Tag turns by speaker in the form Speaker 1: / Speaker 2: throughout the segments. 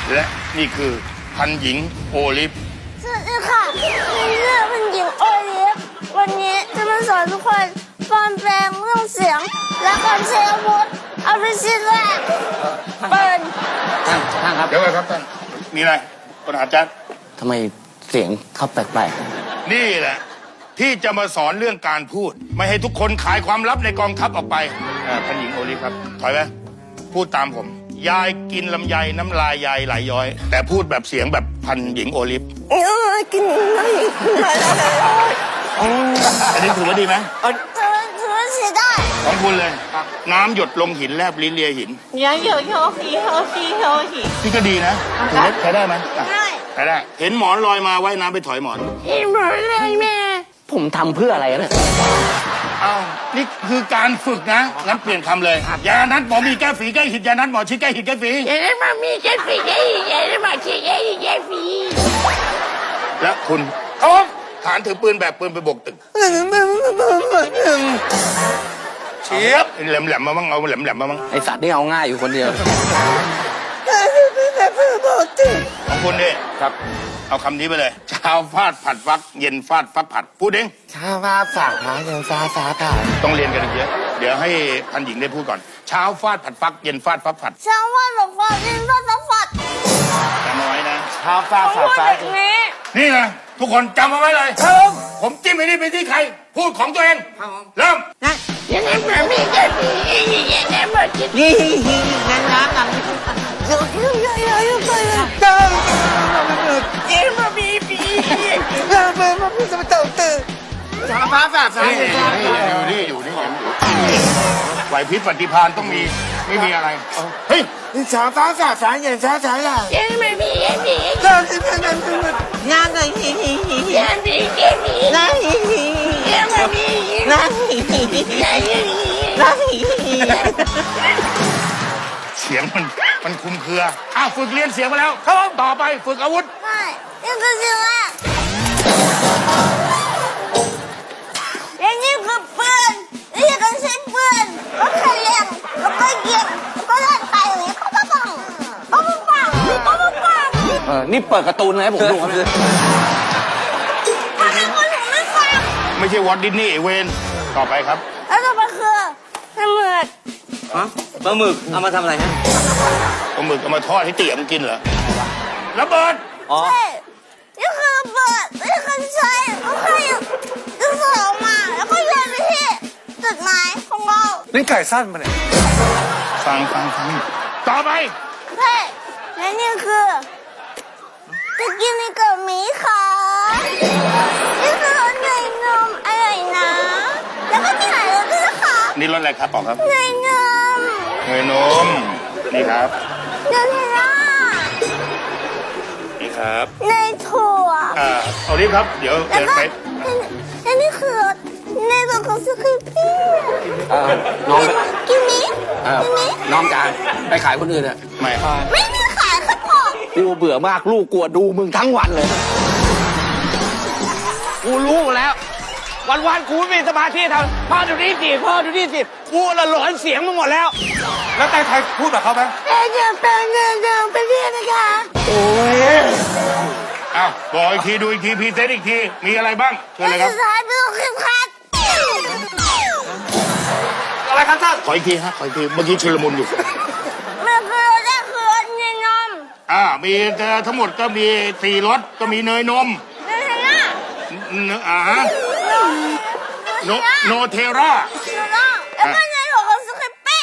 Speaker 1: และนี่คือพันหญิงโอลิฟ
Speaker 2: สวัสดีค่ะนี่คือพันหญิงโอลิฟวันนี้จะมาสอนทุกคนปลอมแปลงเรื่องเสียง และการใช้อาวุธเอาไปชิ้นแรกเปิด
Speaker 3: ท่านครับ
Speaker 1: เดี๋ยวก่อนครับท่านมีอะไรปัญหาจัด
Speaker 3: ทำไมเสียงเขาแปลก
Speaker 1: ๆนี่แหละที่จะมาสอนเรื่องการพูดไม่ให้ทุกคนขายความลับในกองทัพออกไปพันหญิงโอลิฟครับถอยไหมพูดตามผมยายกินลำไยน้ำลายยายไหลย้อย แต่พูดแบบเสียงแบบพันหญิงโอลิฟ
Speaker 2: กินไม่
Speaker 1: อันนี้ถือว่าดีไหม
Speaker 2: ถือว่าใช้ได้
Speaker 1: ของคุณเลยน้ำหยดลงหินแลบลิ้นเลียหินนี่ก็ดีนะถือว่าใช้ได้ไหมใช้ได้เห็นหมอนลอยมาว่ายน้ำไปถอยหมอน
Speaker 2: หมอนเลยแม่
Speaker 3: ผมทำเพื่ออะไรเนี่ย
Speaker 1: อ้าวนี่คือการฝึกนะงั้นเปลี่ยนคำเลยยานัดหมอมีแก้ฝีแก้หิดยานัดหมอชี้แก้หิดแก้ฝี
Speaker 2: ยานัดหมอมีแก้ฝีแก้หิดยานัดหมอชี้แก้หิดแก้ฝี
Speaker 1: และคุณเขาฐานถือปืนแบบปืนไปบกตึกเชียบแหลมๆมาบ้างเอาแหลมๆมาบ้าง
Speaker 3: ไอสัตว์นี่เอาง่ายอยู่คนเดียว
Speaker 1: ของคุณดิครับเอาคำนี้ไปเลยเช้าฟาดผัดฟักเย็นฟาดฟักผัดพูดเอง
Speaker 3: เช้าฟาดฝากหาเย็นฟาดผัด
Speaker 1: ต้องเรียนกันเยอะเดี๋ยวให้พันหญิงได้พูดก่อนเช้าฟาดผัดฟักเย็นฟาดฟักผัด
Speaker 2: เช้าฟาดผัดฟักเย็นฟาดฟักผัด
Speaker 1: จำเอาไว้นะ
Speaker 3: เช้าฟาดผัดฟัก
Speaker 1: นี่นะทุกคนจำเอาไว้เลยผมจิ้มไอ้นี่ไปที่ใครพูดของตัวเองเริ่ม
Speaker 2: ยังไงแบบนี้จะดียังไงแบบนี้งั้นน้ำกันเดี๋ยวมาบีบีมาพูดจะมาเต่าตื่น
Speaker 1: ชาฟ้าฝาฟ้าอยู่นี่ไหวพริบปฏิภาณต้องมีไม่มีอะไรเฮ้ย
Speaker 3: ชาฟ้าฝาฟ้าเย็นฟ้าใสล่ะ
Speaker 2: ยังไม่มีงานไหนยังมีนั่นยังไม่มีนั่น
Speaker 1: เสียงมันคุมเครือฝึกเรียนเสียงมาแล้วครับต่อไปฝึกอาวุธ
Speaker 2: ใช่นี่คือเสียงแรกและนี่คือปืนนี่คือใช้ปืนแล้วก็เลี้ยงแล้วก็ยิงแล้วก็เล่นไปอย่างนี้เขาก็ปัง
Speaker 3: นี่เปิดการ์ตูนให้ผมดูครับ
Speaker 2: ถ้าเป็นคนผมไม่ฟัง
Speaker 1: ไม่ใช่วอตดิสนีย์เวนต่อไปครับ
Speaker 2: แล้วต่อไปคือปลาหมึก
Speaker 3: ปลาหมึกเอามาทำอะไรฮะ
Speaker 1: ปลาหมึกเอามาทอดให้เตี๋ยมกินเหรอระเบิด
Speaker 2: ใช่นี่คือระเบิดนี่คือใช้แล้วก็ดึงสออกมาแล้วก็โยนไปที่จุดหมายของเรา
Speaker 4: นี่ไก่สั้นมาเนี่ย
Speaker 1: ฟังต่อไป
Speaker 2: เฮ้และนี่คือจะกินในกล่องมีค่ะนี่คือรสเนยนมอร่อยนะแล้วก็มีหลายรสด้วยนะคะ
Speaker 1: นี่รสอะไรครับบอกครับ
Speaker 2: เนยนม
Speaker 1: นี่ครับ
Speaker 2: เนยเทล่า
Speaker 1: นี่ครับ
Speaker 2: เนยถั่ว
Speaker 1: เอาดิครับเดี๋ยวไป
Speaker 2: และนี่คือเนยถั่วของสคริปปี้กินนี้
Speaker 3: น้องจานไปขายคนอื่นอะ
Speaker 1: ไม่
Speaker 2: มีขายครับพ่อ
Speaker 3: กูเบื่อมากลูกกลัวดูมึงทั้งวันเลยกูรู้แล้ววันกูไม่มีสมาธิทำพ่อดูนี่สิกูละหลอนเสียงมึงหมดแล้ว
Speaker 4: แล้วไทยพูดแบบเขาไหม
Speaker 2: เดินไปเรียนนะคะ
Speaker 3: โอ้ย
Speaker 1: บอกอีกทีดูอีกทีพรีเซนต์อีกทีมีอะไรบ้างเชิญเลยครับ
Speaker 2: สุดท้ายดูคลิปคัด
Speaker 4: อะไรครับท่าน
Speaker 1: ขออีกทีเมื่อกี้ชุลมุนอยู่
Speaker 2: มันคือรสเนยนม
Speaker 1: มีทั้งหมดก็มี4รสก็มีเนยนมโนเทรา
Speaker 2: แล้วก็เนยถั่วของสคริปปี้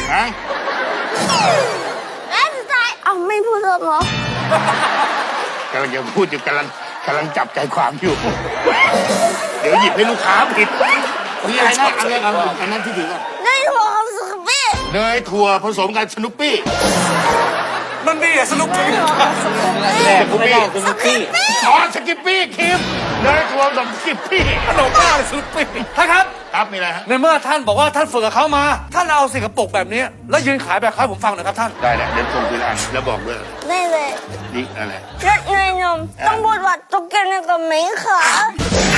Speaker 2: และสุดท้ายไม่พูดหรอก
Speaker 1: ำลังจะพูดอยู่กำลังจับใจความอยู่เดี๋ยวหยิบให้ลูกค้าผิดมีอะไรนะอันนั้นที่ถือก่อน
Speaker 2: เนยถั่วของสคริปปี้
Speaker 1: เนยถั่วผสมกับสนุปปี้
Speaker 4: มันดีอะสนุปปี้
Speaker 3: สกิป
Speaker 1: ปี้คิมเนยถั่วกับสกิปปี้
Speaker 4: ขนมบ้าเลยสนุปปี้ท่านครับ
Speaker 1: มีอะไรฮะ
Speaker 4: ในเมื่อท่านบอกว่าท่านฝึกกับเขามาท่านเอาสิ่งกระปุกแบบนี้แล้วยืนขายแบบเขาผมฟังหน่อยครับท่าน
Speaker 1: ได้เดี๋ยวส่งทีละอันแล้วบอกด้วย
Speaker 2: ได้เลย
Speaker 1: นี่อะไร
Speaker 2: รสเนยนมต้องพูดว่าตุ๊กแกในกล่องมีค่ะ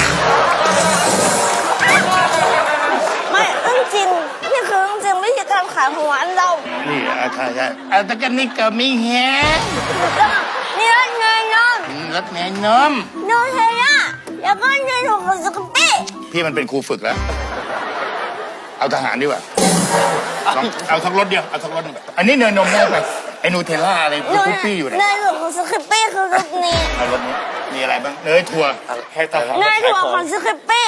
Speaker 2: ไม่จริงนี่คือจริงวิธีการขายของร้านเรา
Speaker 1: นี่ใช่ใช่แต่กันนี่ก็มีแฮะ
Speaker 2: นี่รถเนยนม
Speaker 1: รถแม่นม
Speaker 2: โนเทล่าแล้วก็เนยถั่วของสกูปปี้
Speaker 1: พี่มันเป็นครูฝึกแล้ว เอาทหารดีกว่าลองเอาทั้งรถเดียวเอาทั้งรถหนึ่งอันนี้เนยนมได้ไปไอ้นูเทลล่าอะไรคุกปี้อยู่เนี่ย
Speaker 2: เนยถั่วของสกูปปี้คือรถนี้
Speaker 1: เอารถนี้มีอะไรบ้างเนยถั่ว
Speaker 3: ให้ต่อ
Speaker 2: เนยถั่วของสกูปปี้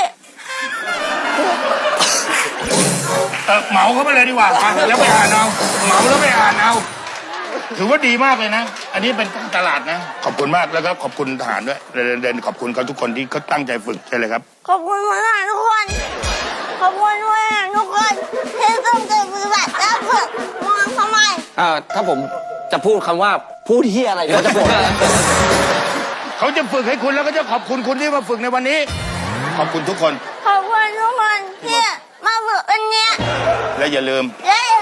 Speaker 1: เหมาเข้าไปเลยดีกว่าไปแล้วไปอ่านเอาเหมาแล้วไปอ่านเอาถือว่าดีมากเลยนะ อันนี้เป็นการตลาดนะ ขอบคุณมากแล้วก็ขอบคุณทหารด้วยเดินขอบคุณเขาทุกคนที่เขาตั้งใจฝึกใช่เลยครับ
Speaker 2: ขอบคุณมากทุกคน ขอบคุณด้วยนะทุกคนที่ต้องใจปฏิบัติและฝึกมองทำไม
Speaker 3: ถ้าผมจะพูดคำว่าพูดเฮียอะไรก็จะบอก
Speaker 1: เขาจะฝึกให้คุณแล้วก็จะขอบคุณคุณที่มาฝึกในวันนี้ ขอบคุณทุกคน
Speaker 2: ขอบคุณทุกคนที่มาฝึกวันนี้
Speaker 1: และอย่าลืม
Speaker 2: และอย่า